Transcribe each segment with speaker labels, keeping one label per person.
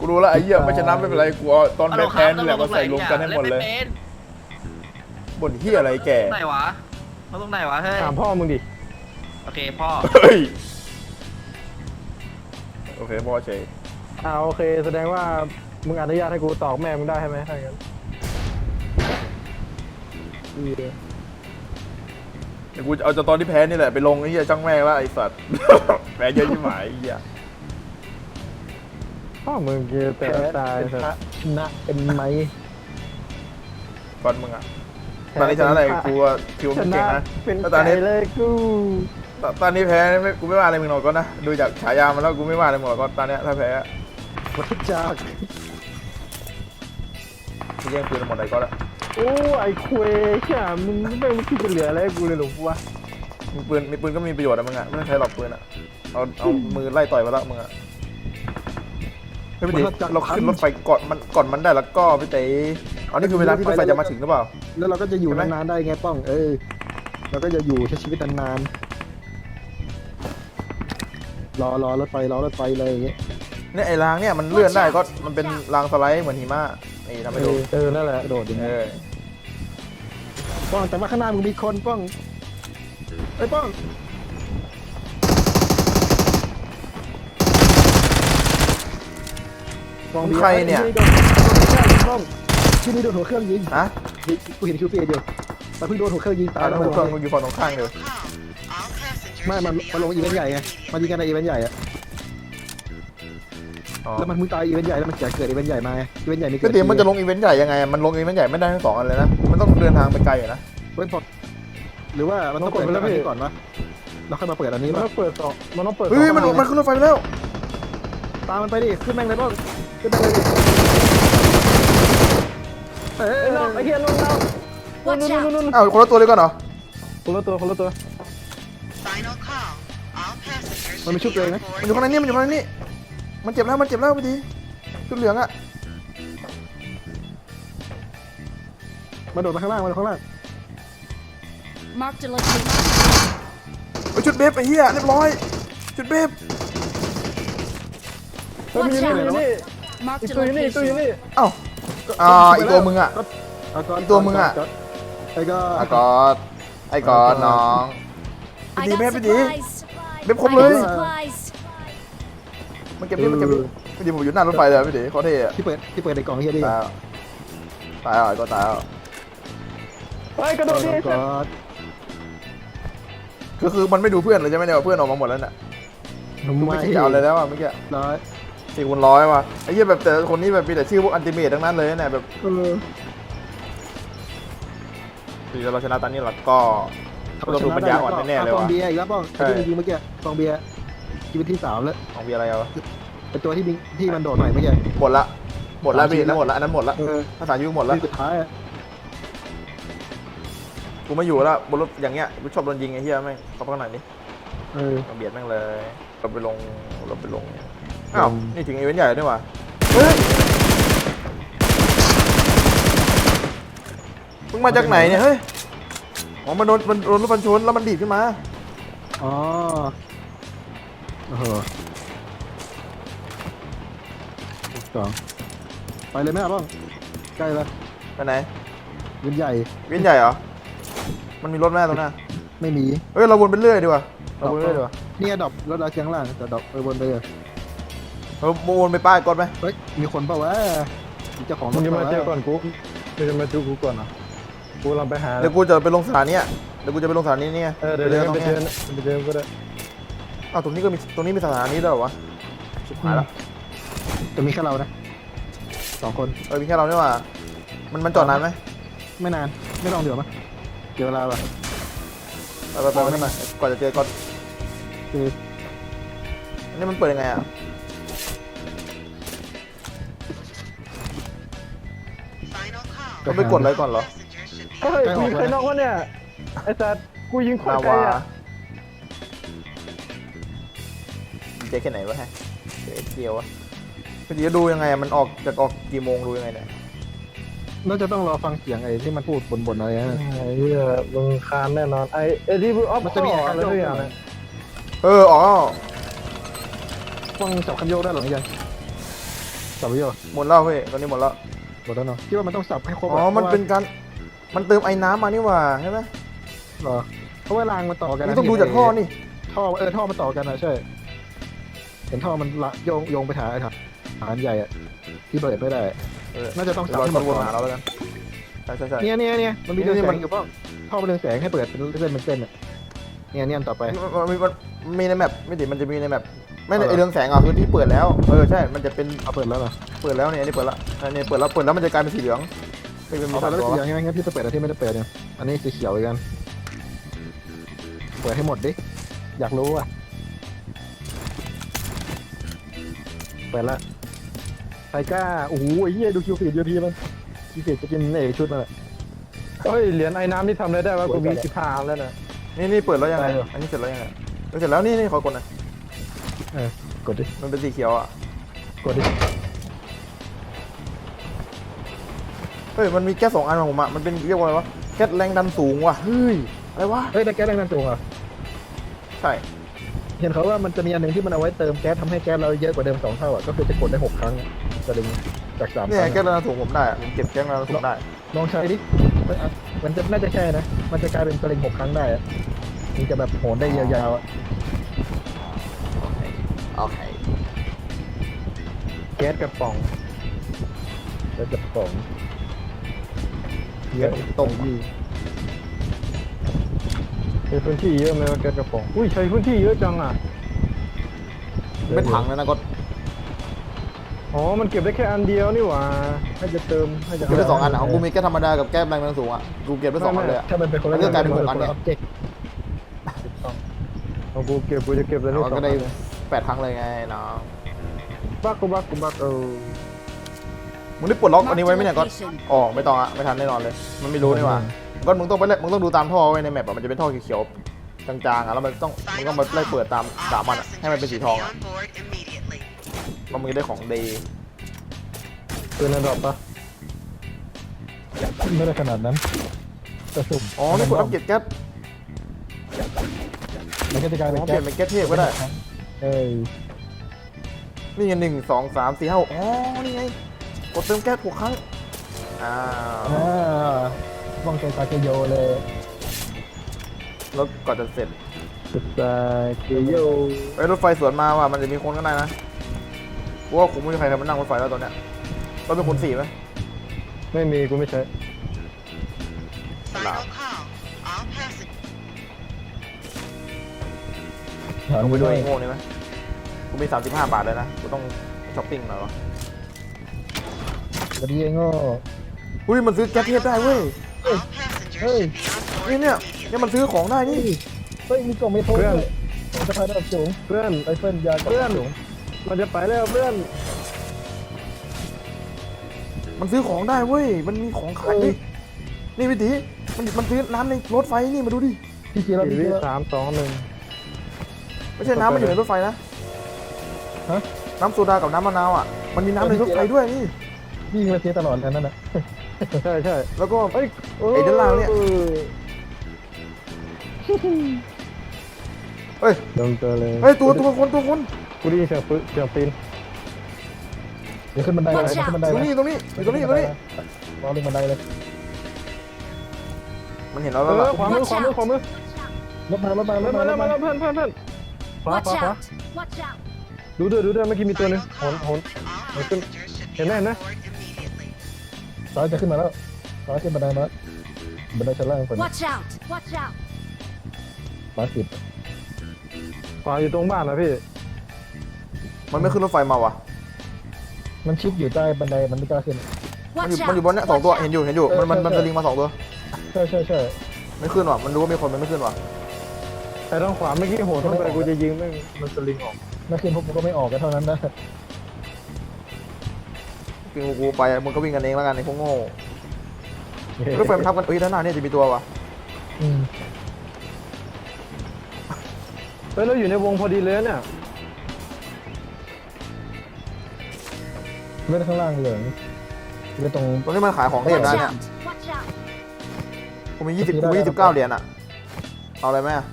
Speaker 1: รู้แล้วไอ้เหี้ยไม่ชนะไม่เป็นไรกูเอาตอนแพ้นี่แหละมาใส่รวมกันให้หมดเลยบ่นเหี้ยอะไรแก
Speaker 2: ไหนวะมาตรงไหนวะเฮ้ย
Speaker 3: ถามพ่อมึงดิ
Speaker 2: โอเคพ่อ
Speaker 1: เฮ้ยโอเคพ่อเฉย
Speaker 3: โอเคแสดงว่ามึงอนุญาตให้กูตอกแม่มึงได้ใช่ไหมถ้าอย่างนั้น
Speaker 1: เดี๋ยวกูเอาจากตอนที่แพ้นี่แหละไปลงไอ้เหี้ยจ้างแม่งแล้วไอ้สัตว์ แพ้เยอะยิ่งหมายไอ้เหี้ย
Speaker 3: พ่อมึงเกลียดแต่ตายชนะเป็นไหม
Speaker 1: ก่อนมึงอ่ะตอนนี้ชนะอะไรกูคิวมันเก่งนะ
Speaker 3: ตอนนี้เลยกู
Speaker 1: ตอนนี้แพ้กูไม่ว่าอะไรมึงหรอกก็นะดูจากฉายามันแล้วกูไม่ว่าอะไรมึงหรอกก็ตอนนี้ถ้าแพ้
Speaker 3: วัฏจักร
Speaker 1: กูแย่งปืนหมดเลยก็แล้ว
Speaker 3: โอ้ไอ้คุยใช่มึงไม่คิดจะเหลืออะไรกูเลยหรอวะ
Speaker 1: มีปืนก็มีประโยชน์อะมึงอะไม่ต้องใช้หรอกปืนอะเอามือไล่ต่อยไปแล้วมึงอะไม่เป็นไรเราขึ้นรถไฟก่อนมันได้แล้วก็พี่เต๋อันนี้คือเวลาที่รถไฟจะมาถึงหรือเปล่า
Speaker 3: แล้วเราก็จะอยู่นานๆได้ไงป้องเราก็จะอยู่ใช้ชีวิตนานๆรอรถไฟเลยอย่างเงี้ย
Speaker 1: เนี่ยไอ้รางเนี่ยมันเลื่อนได้ก็มันเป็นรางสไลด์เหมือนหิมะนี่ทำให้ดู
Speaker 3: นั่นแหละโดดอย่างเงี้ยป้องแต่ว่าข้างหน้ามึงมีคนป้องไอ้ป้อง
Speaker 1: ใครเนี่ย
Speaker 3: ที่นี่โดนหัวเครื่องยิง
Speaker 1: ฮะ
Speaker 3: กูเห็นคิวเฟียอยู่แต่เพิ่งโดนหัวเครื่องยิงตาย
Speaker 1: แล้วหัวเครื่องอยู่ฝั่งตรงข้างเลย
Speaker 3: ไม่มันลงอีเวนต์ใหญ่ไงมันยิงกันในอีเวนต์ใหญ่อะแล้วมันมึงตายอีเวนต์ใหญ่แล้วมันจะเกิดอีเวนต์ใหญ่มาอีเวนต์ใหญ่นี่
Speaker 1: ก็เดี๋ยวมันจะลงอีเวนต์ใหญ่ยังไงมันลงอีเวนต์ใหญ่ไม่ได้ทั้ง2 อันเลยนะมันต้องเดินทางไปไกลนะ
Speaker 3: เฮ้ยพอหรือว่ามันต้องเปิดอันนี้ก่อนวะเราค่อยมาเปิดอันนี้มันต้องเปิดต่อมันต้องเปิด
Speaker 1: เฮ้ยมันขึ้นรถไฟไปแล้ว
Speaker 3: ตามมันไปดิขึ้นแม่งเลยบ้างขึ้นแม่งเลยดิไอ้เหี้ยนุ่น
Speaker 1: อ้าวคนละตัวเลยก่อนเหรอ
Speaker 3: คนละตัวมันไม่ชุบเลยนะ
Speaker 1: มันอยู่ข้างในนี่มันเจ็บแล้วพอดีชุดเหลืองอะ
Speaker 3: มาโดดมาข้างล่าง
Speaker 1: ชุดเบฟไอ้เหี้ยเรียบร้อยชุดเบฟ
Speaker 3: ตัวอยู่นี่
Speaker 1: อ้าวอีกตัวมึงอะไอ้กอดน้องไปดีเบฟครบเลยมันเก็บนี่พี่ดีผมอยู่หน้ารถไฟเลยพี่ดีเขาเท่อะ
Speaker 3: ที่เปิดในกล่องเฮียดิ
Speaker 1: ตายก็ตาย
Speaker 3: ไปกระโดดดิ
Speaker 1: คือมันไม่ดูเพื่อนเลยใช่ไหมเนี่ยเพื่อนออกมาหมดแล้วน่ะไม่ใช่เอาเลยแล้วอ่ะเมื่อกี้4 คูณ 100ว่ะไอ้เหี้ยแบบแต่คนนี้แบบมีแต่ชื่อพวกอันติเมททั้งนั้นเลยเนี่ยแบบคือเราชนะตอนนี้เราก็เราดูปัญญาอ่อนแน่ๆเลยว่ะ
Speaker 3: ฟองเบียร์อีกแล้วป้องจริงเมื่อกี้ฟองเบียร์ชีวิตที่3แล้ว
Speaker 1: ฟองเบียร์อะไรอ่ะ
Speaker 3: เป็นตัวที่มันโดดใหม่เมื่อกี้
Speaker 1: หมดละพี่แล้วหมดละอันนั้นหมดละภาษายุหมดละ
Speaker 3: สุดท้าย
Speaker 1: กูไม่อยู่แล้วบนรถอย่างเงี้ยกูชอบโดนยิงไอ้เหี้ยแม่งเข้าข้างในนี่เบียดแม่งเลยเราไปลงอ้าวนี่ถึงอีเวนต์ใหญ่ด้วยว่ะเฮ้ยมึงมาจากไหนเนี่ยเฮ้ยมันโดนรถบรรทุกแล้วมันดีดขึ้นมา
Speaker 3: อ๋อ2ไปเลยไหมบ้างใกล้แล้ว
Speaker 1: ไปไหน
Speaker 3: เวียนใหญ่
Speaker 1: เหรอมันมีรถแม่ตรงหน้า
Speaker 3: ไม่มี
Speaker 1: เฮ้ยเราวนไปเรื่อยดีกว่า
Speaker 3: นี่ดรอปรถเราเชียงล่างแต่ดรอปวนไปเลย
Speaker 1: วนไปป้ายก่อนไหม
Speaker 3: เฮ้ยมีคนเปล่าวะเจ้าของมึงจะมาเจอก่อนกูจะมาจูกูก่อนนะกูลองไปหา
Speaker 1: เดี๋ยวกูจะไปลงสถานีเนี่ยเดี๋ยว
Speaker 3: เดินไปเดินก็ได้
Speaker 1: อ้าวตรงนี้มีสถานีด้วยเหรอวะชิบหายแล้ว
Speaker 3: จะมีแค่เรานะ2 คน
Speaker 1: มีแค่เราเนี่ยว่ะมันจอดนานไหม
Speaker 3: ไม่นานไม่ต้องเดี๋ยวมั้ยเกี่ยวเวลาป่ะ
Speaker 1: ไปไม่มาก่อนจะเจอก่อนอันนี้มันเปิดยังไงอ่ะต้องไปกดอะไรก่อนเหรอ
Speaker 3: เฮ้ยกูยิงใครนอกวะเนี่ยไอ้สัตว์กูยิงคนไกลอ่ะ
Speaker 1: เจ๊แค่ไหนวะฮะเกี่ยววะจะดูยังไงมันออกกี่โมงดูยังไงเนี่ย
Speaker 3: น่าจะต้องรอฟังเสียงไอ้ที่มันพูดบ่นอะไรนะไอ้ที่มึงคานแน่นอนไอ้ที่พูดมันจะมีอะไรทุกอย่าง
Speaker 1: อ๋อ
Speaker 3: ฟังจับคันโยกได้หรือยังสับไปเยอะ
Speaker 1: หมดแล้วพี่ตอนนี้หมดแล้ว
Speaker 3: หมดแล้วเนาะคิดว่ามันต้องสับให้ครบ
Speaker 1: อ๋อมันเป็นการมันเติมไอ้น้ำมานี่หว่าใช่ไหม
Speaker 3: เหรอเพราะว่ารางมันต่อกัน
Speaker 1: มึ
Speaker 3: นะ
Speaker 1: งต้องดูจากท่อนี่
Speaker 3: ท่อท่อมันต่อกันนะใช่เห็นท่อมันละโยงไปหาไอ้ฐานใหญ่อะที่เปิดไม่ได้ น่าจะต้องสับ
Speaker 1: เรา
Speaker 3: ให้หม
Speaker 1: ต้อ
Speaker 3: ด
Speaker 1: งวน
Speaker 3: ก่อน
Speaker 1: หาเราแล้วกันใช่
Speaker 3: เนี่ยมันมีเรือง
Speaker 1: นี่
Speaker 3: แส
Speaker 1: มัน
Speaker 3: งอยู่ป่ะท่อมันเรืองแสงให้เปิดเป็นเส้นเป็นเส้นอะเนี่ยอันต่อไป
Speaker 1: มันมีในแมปไม่ดิมันจะมีในแมปไม่ใน
Speaker 3: เอาเหรอ
Speaker 1: ไอเรืองแสงอ่ะคือที่เปิดแล้วใช่มันจะเป็น
Speaker 3: เอาเปิดแล้วเหรอ
Speaker 1: เปิดแล้วเนี่ยอันนี้เปิดแล้วอันนี้เปิดแล้วมันจะกลายเป็นสีเหลืองไม่เป็นมี
Speaker 3: เอา
Speaker 1: สา
Speaker 3: เปิ
Speaker 1: ม
Speaker 3: ดแล้ว
Speaker 1: ตัว
Speaker 3: สีอย่างงั้นพี่จะเปิดอะไรที่ไม่ได้เปิดเนี่ยอันนี้สีเขียวอีกกันเปิดให้หมดดิอยากรู้อ่ะเปิดละไทก้าโอ้โหไอ้เหี้ยดูคิวฟีดยูทีมันคิวฟีดจะกินชุดมันอะ
Speaker 4: เฮ้ยเหรียญไอ้น้ำที่ทำอะไรได้วะกูมี15แล้วนะ
Speaker 1: นี่เปิดแล้วยังไง
Speaker 3: ได้เหรอ
Speaker 1: อันนี้เสร็จแล้วยังไงเสร็จแล้วนี่ขอกดหน่อย
Speaker 3: กดดิ
Speaker 1: มันเป็นสีเขียวอ่ะ
Speaker 3: กดดิ
Speaker 1: เฮ้ยมันมีแก๊ส2 อันของผมอ่ะมันเป็นเรียกว่าอะไรวะแก๊สแรงดันสูงว่ะเฮ้ยอะไรวะ
Speaker 3: เฮ้ยแต่แก๊สแรงดันสูงเหรอ
Speaker 1: ใช่
Speaker 3: เห็นเขาว่ามันจะมีอันหนึ่งที่มันเอาไว้เติมแก๊สทำให้แก๊สเราเยอะกว่าเดิม2 เท่าอ่ะก็คือจะกดได้6 ครั้งจะดึงจาก3 ค
Speaker 1: เนี่ย
Speaker 3: รั้ง
Speaker 1: แก๊สแรงดันสูงผมได้อะผมเก็บแก๊สแรงดันสูงได้
Speaker 3: ลองใช้ดิมันจะน่าจะใช่นะมันจะกลายเป็นสลิง6 ครั้งได้อะมันจะแบบโหนได้ยาวๆอะ
Speaker 1: โอเค
Speaker 4: แก๊สกระป๋อง
Speaker 3: แล้วจะป๋อง
Speaker 1: แก๊สตรง
Speaker 4: ใช้พื้นที่เยอะไหมวะแก๊สกระป๋องอุ้ยใช้พื้นที่เยอะจังอ่ะ
Speaker 1: เป็นถังเลยนะก็
Speaker 4: อ๋อมันเก็บได้แค่อันเดียวนี่หว่าให้จะเติมให้จะ
Speaker 1: เก็บได้2 อันอ่ะของกูมีแก๊สธรรมดากับแก๊สแรงดันสูงอ่ะกูเก็บได้2 อันเลยอ่ะ
Speaker 3: ถ้ามันเป็นคนละ
Speaker 1: มันก็กลายเป็น6 อันเนี่ย
Speaker 3: เจก
Speaker 4: เอากูจะเก็บแล้วนี่
Speaker 1: เรา
Speaker 4: สอง
Speaker 1: ก็
Speaker 4: อัน
Speaker 1: ได้
Speaker 4: เลย
Speaker 1: 8 ครั้งเลยไงน้อง
Speaker 4: บัก
Speaker 1: มึงได้ปลดล็อกอันนี้ไว้ไหมเนี่ยก็อ๋อไม่ต้องอะไม่ทันแน่นอนเลย มันไม่รู้นี่หว่าก็มึงต้องไปเล่นมึงต้องดูตามท่อไว้ในแมปอะมันจะเป็นท่อเขียวๆจางๆอะแล้วมันต้องมาไล่เปิดตามมันอะให้มันเป็นสีทองอะแล้วมึงจะได้ของดี
Speaker 4: ปืนระดับปะ
Speaker 3: ไม่ได้ขนาดนั้นแต่สุ่ม
Speaker 1: อ๋อนี่กดอัปเกรดแก๊ส
Speaker 3: มันก็จะกลายเป็น
Speaker 1: อ๋อเป
Speaker 3: แก๊
Speaker 1: ลี่ย
Speaker 3: ส
Speaker 1: นเป็นแก๊สเทพก็ได้
Speaker 3: เอ้ย
Speaker 1: นี่ไง1 2 3 4 5 6อ๋อนี่ไงกดเติมแก๊ส6 ครั้งอ้าว
Speaker 3: ว่องใจตาเกโยเลย
Speaker 1: แล้วก่อนจะเสร็จ
Speaker 4: สุดตาเกโย
Speaker 1: ไอ้รถไฟสวนมาว่ะมันจะมีคนข้างในนะกูว่าคงไม่มีใครมานั่งรถไฟแล้วตอนเนี้ยเราเป็นคน4ไหม
Speaker 4: ไม่มีกูไม่ใช้
Speaker 5: Final call. All passengers.
Speaker 3: ถาม
Speaker 1: ลง
Speaker 3: ไป
Speaker 1: ไป
Speaker 3: ด้
Speaker 1: ด้
Speaker 3: ว
Speaker 1: วย ยโง่นี่ไหมกูมี35 บาทเลยนะกูต้องช้อปปิ้งหน่อยวะ
Speaker 3: กระดิ่งโง่
Speaker 1: อุ้ยมันซื้อแก๊สเทพได้เว้ย
Speaker 5: All passengers
Speaker 3: Hey.
Speaker 5: should be on board
Speaker 1: เนี่ย
Speaker 5: immediately.
Speaker 1: เนี่ยมันซื้อของได้นี่
Speaker 3: เฮ้ยมีกล่องเมทัลด้วยสะพายระดับสูง
Speaker 4: เพื่อน
Speaker 3: ไรเฟิลยากล่องระดับสูง
Speaker 4: มันจะไปแล้วเพื่อน
Speaker 1: มันซื้อของได้เว้ยมันมีของขายนี่นี่วิธีมันซื้อน้ำในรถไฟนี่มาดูดิ
Speaker 3: พี่จีแล้ว
Speaker 4: สี่
Speaker 3: พี่
Speaker 4: วิ
Speaker 3: จีแล้ว
Speaker 4: 3 2
Speaker 1: ไม่ใช่น้ำมันอยู่ในรถไฟนะ
Speaker 3: ฮะ
Speaker 1: น้ำโซดากับน้ำมะนาวอ่ะมันมีน้ำในรถไฟด้วยนี่
Speaker 3: พี่ยิงมาเทียตลอดกันนั่นน่ะ
Speaker 4: 1ใช่
Speaker 1: แล้วก็
Speaker 4: เอ้ย
Speaker 1: ไอ้ด้านล่างเนี่ย เฮ้ย
Speaker 4: ลงตัวเลย
Speaker 1: เฮ้ยตัวคน
Speaker 4: กูได้ยินเสียงปีน
Speaker 3: เดี๋ยวขึ้นบันไดเลยขึ้นบันได
Speaker 1: ตรง
Speaker 3: เลย
Speaker 1: นี้ตรงนี้รอเล่นบันไดเลย มันเห็นเราแล้วล่ะ
Speaker 4: ขวามือ
Speaker 3: รถมารถมารถมา
Speaker 4: มาแล้วเพื่อนขวา
Speaker 6: Watch out! Watch out!
Speaker 4: ดูด้วยเมื่อกี้มีตัวหนึง
Speaker 5: Final
Speaker 4: โห
Speaker 5: call.
Speaker 4: น
Speaker 5: All
Speaker 4: Open.
Speaker 5: passengers should be
Speaker 4: ห็นไหม
Speaker 5: on
Speaker 4: นะ
Speaker 5: board immediately.
Speaker 3: ซ้ายจะขึ้นมาแล้วซ้ายขึ้นบันไดมาบันไดชั้นล่างคน
Speaker 6: Watch out! Watch out!
Speaker 3: มาสิบ
Speaker 4: ขวาอยู่ตรงบ้านนะพี่
Speaker 1: มันไม่ขึ้นรถไฟมาวะ
Speaker 3: มันชิดอยู่ใต้บันไดมันไม่กล้าขึ้น
Speaker 1: มันอ
Speaker 6: Watch
Speaker 1: ยู่
Speaker 6: out!
Speaker 1: มันอยู่บนเนี้ย2 ตัวเห็นอยู่มันสลิงมา2 ตัว
Speaker 3: ใช่
Speaker 1: ไม่ขึ้นว่ะมันรู้ว่ามีคนมันไม่ขึ้นว่ะ
Speaker 4: แต่ทางขวาเมื่อกี้โหนเข้าไปกูจะยิงแม่งมันสลิงออก
Speaker 3: ไม่ขึ้นพวกผมก็ไม่ออกกันเท่านั้นนะ
Speaker 1: กินกูไปมึงก็วิ่งกันเองแล้วกันไอ้พวกโง่รถไฟมันทับกันด้านหน้าเนี่ยจะมีตัวว่ะ
Speaker 4: เฮ้ยเราอยู่ในวงพอดีเลยเนี่ย
Speaker 3: เลื่อนข้างล่างเหลืองเลื่อนตรง
Speaker 1: ตรงนี้มันขายของเทพ
Speaker 6: Watch
Speaker 1: ได้เนี่ย
Speaker 6: out! Watch out!
Speaker 1: กูมี29 เหรียญอ่ะเอาอะไรไหมอะ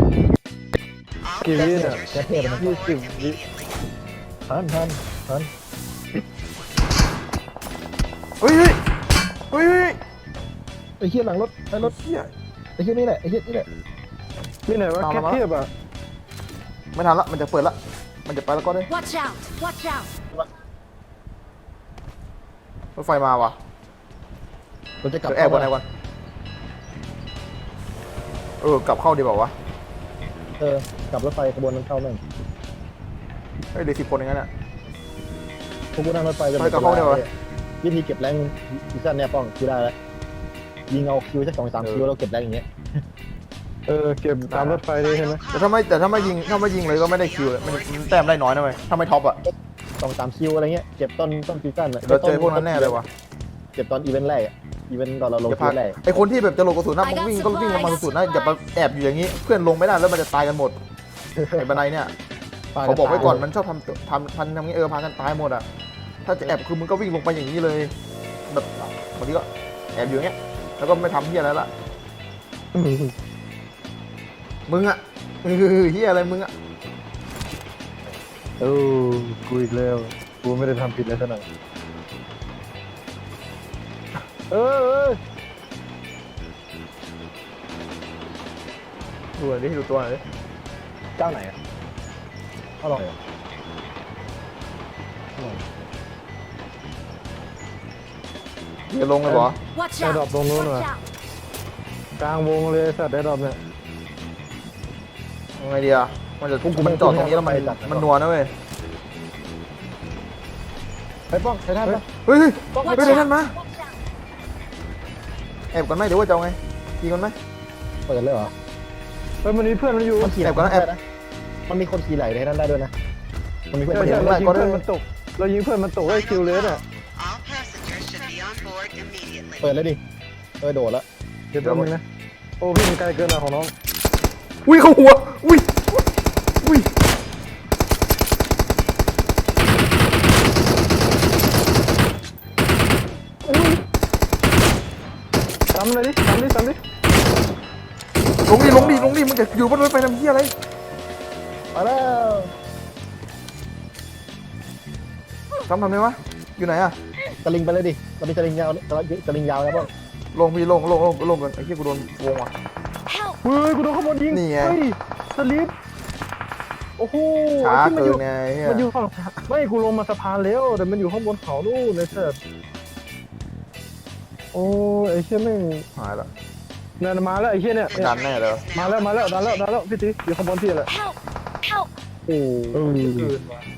Speaker 5: All
Speaker 4: กี่วิเนี่ย
Speaker 5: passengers should be on board immediately.
Speaker 3: ทัน
Speaker 1: ฮ้ยเฮ้ยเฮ้ยเฮ้ย
Speaker 3: ไอ้เหี้ยหลังรถไอ้รถ
Speaker 1: เหี้ย
Speaker 3: ไอ้เหี้ยนี่แหละไอ้เหี้ยนี่แหละ
Speaker 4: นี่ไหนวะแค่เทียบอ่ะ
Speaker 1: ไม่ทันละมันจะเปิดละมันจะไปแล้วก็ได้
Speaker 6: Watch out! Watch out!
Speaker 1: รถไฟมาว่ะ
Speaker 3: เราจะกลับ
Speaker 1: เดี๋ยวแอบบนไหนก่อนกลับเข้าดีเปล่าวะ
Speaker 3: กลับรถไฟขบวนนั้นเข้าหนึ่ง
Speaker 1: เฮ้ยเหลือ10 คนอย่างนั้นอ่ะ
Speaker 3: พวกกูนั่งรถไฟจะ
Speaker 1: ไปกับเขาเดี๋ยววะ
Speaker 3: วิธีเก็บแรงซีซั่นเนี่ยป้องคิวได้แล้วยิงเอาคิวสัก2-3คิวเราเก็บแรงอย่างเงี้ย
Speaker 4: เก็บตามรถไฟเลยใช่ไหม
Speaker 1: แต่ถ้าไม่ยิงเลยก็ไม่ได้คิวเลยมันแต้มได้น้อยนะเว้ยถ้าไม่ท็อปอ่ะ
Speaker 3: 2-3คิวอะไรเงี้ยเก็บต้นซีซั่น
Speaker 1: เราเจอพวกนั้นแน่เลยว่ะ
Speaker 3: เก็บตอนอีเวนต์แรกอีเวนต์ตอนเราลง
Speaker 1: อย่า
Speaker 3: คิ
Speaker 1: พลาด
Speaker 3: วแรก
Speaker 1: ไอคนที่แบบจะลงกระสุนนะมึงวิ่งก็วิ่งลงมาสุดๆนะอย่าไปแอบอยู่อย่างนี้เพื่อนลงไม่ได้แล้วมันจะตายกันหมดไอ้บันไดเนี่ยเขาบอกไว้ก่อนมันชอบทำอย่างนี้พากันตายหมดอ่ะถ้าจะแอบคือมึงก็วิ่งลงไปอย่างนี้เลยแบบบางทีก็แอบอยู่อย่างเงี้ยแล้วก็ไม่ทำเฮียอะไรละมึงอ่ะเฮียอะไรมึงอ่ะ
Speaker 4: กูอีกแล้วกูไม่ได้ทำผิดเลยสักหน่อย
Speaker 1: ดูหน่อยดิดูตัวหน่อยดิ
Speaker 3: เจ้าไหนอ่ะเอาลอง
Speaker 1: จะลงเลยเหรอ
Speaker 6: Watch
Speaker 4: ไอ้ดรอป
Speaker 6: out!
Speaker 4: ตรงนู้นว่ะ
Speaker 6: Watch out!
Speaker 4: กลางวงเลยสัตว์ไอ้ดรอปเนี่ย
Speaker 1: ยังไงดีอ่ะมันจะมันจอดตรงนี้แล้วมันนัวนะเว้ย
Speaker 3: ไปป้องไปท่านปะ
Speaker 1: เฮ้ย
Speaker 6: Watch
Speaker 1: ไปเลยนั่น
Speaker 6: out!
Speaker 1: มา
Speaker 6: Watch out!
Speaker 1: แอบก่อนไหมหรือว่าจะเอาไงยิงก่อนไหม
Speaker 3: เปิดเลยเหรอ
Speaker 4: มันมีเพื่อนมันอยู่
Speaker 3: มันขี่ไหลได้นะมันมีคนขี่ไหลในนั้นได้ด้วยนะมันมีเพื่อน
Speaker 4: ใช่
Speaker 3: มัน
Speaker 4: เรายิงเพื่อนมันตกเรายิงเพื่อนมันตกได้คิวเลสอ่ะ
Speaker 5: All passengers should be on board immediately.
Speaker 3: เปิดเลยดิโดดแล้ว
Speaker 4: เดี๋ยวแป๊บนึงนะโอ้พี่มันไกลเกินอ่ะของน้อง
Speaker 1: อุ้ยเข้าหัวอุ้ย
Speaker 4: ซ้ำเลยดิซ้ำดิ
Speaker 1: ลงดิมึงจะอยู่บนรถไฟทำเหี้ยอะไร
Speaker 3: มาแล้ว
Speaker 1: ทำไมวะอยู่ไหนอะ
Speaker 3: สลิงไปเลยดิเรามีสลิงยาวสลิงยาวแล้วป้อง
Speaker 1: ลงพี่ลงกันไอ้เหี้ยกูโดนวงว่ะ
Speaker 6: Help!
Speaker 4: เฮ้ยกูโดนขโมยยิง
Speaker 1: นี่ไง
Speaker 4: เฮ้ยสลิปโอ้โห
Speaker 1: ช้า
Speaker 4: ที่มัน
Speaker 1: เกิ
Speaker 4: อน ยู่
Speaker 1: ไงเหี้ย
Speaker 4: มันอยู่ฝั่งไม่กูลงมาสะพานแล้วแต่มันอยู่ข้างบนเขานู่นเลยเถิดโอ้ไอ้เชี่ยแม่ง
Speaker 1: หายละ
Speaker 4: นั่นมาแล้วไอ้เชี่ยเนี่ย
Speaker 1: ดันแน่เลย
Speaker 4: มาแล้วดันแล้วพี่ตีอยู่ข้างบนพี่แหละ
Speaker 6: Help! Help!
Speaker 4: โอ้เกินว่ะ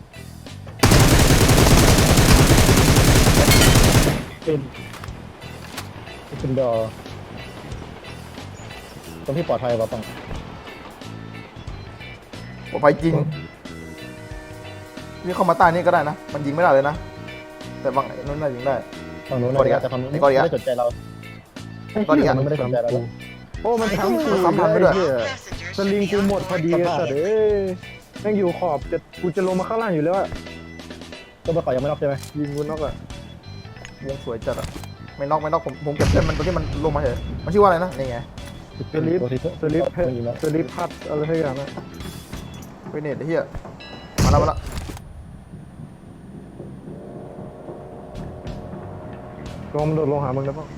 Speaker 3: เป็นดอตรงที่ปลอดภัยป่ะป้อง
Speaker 1: ปลอดภัยจริงนี่เข้ามาใต้นี่ก็ได้นะมันยิงไม่ได้เลยนะแต่บางนั่นน่ายิงได้
Speaker 3: ฝั่งนู้น
Speaker 1: ก่อนดี
Speaker 3: แต่ฝั่งนู้น
Speaker 1: ก่อนดี
Speaker 3: ไม่ได้สนใจเรา
Speaker 1: ก่อนดี
Speaker 3: ฝั่งนู้นไม่ได้สนใจเรา
Speaker 4: โอ้มันทำ
Speaker 1: ซ้ำทันไปด้วย
Speaker 5: Passengers
Speaker 4: สลิงกูหมดพอดีสัตว์เอ้ยแม่งอยู่ขอบกูจะลงมาข้างล่างอยู่แล้วอะ
Speaker 3: ตัวประกอบยังไม่น็อกใช่ไหม
Speaker 4: ยิงกูน็อกอะ
Speaker 1: วงสวยจัดอะไม่น็อกผมเก็บเส้นมันตรงที่มันลงมาเฉยมันชื่อว่าอะไรนะนี่ไง
Speaker 4: สลิป
Speaker 3: ตัวที่
Speaker 4: สลิป
Speaker 3: ไม่ยิงแล้ว
Speaker 4: สลิปพัดอะไรสักอย่างนะ
Speaker 1: เวเนตไอ้เหี้ยมาแล้ว
Speaker 4: ลองมันโดดลงหามึงแล้วป่ะ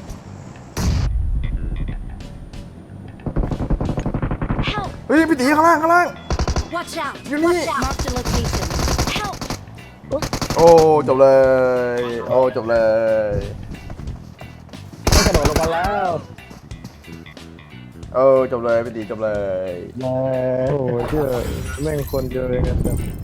Speaker 6: Help!
Speaker 1: เฮ้ยพี่ตีข้างล่าง
Speaker 6: Watch out!
Speaker 1: You
Speaker 6: Watch
Speaker 1: need-
Speaker 6: out! Mark the location. Help!
Speaker 1: โอ้จบเลย
Speaker 3: ต้องกระโดดลงมาแล้ว
Speaker 1: จบเลยพี่ตีจบเลย
Speaker 3: แล้
Speaker 4: โอ้เชื่อแม่งคนเดียวเองอะ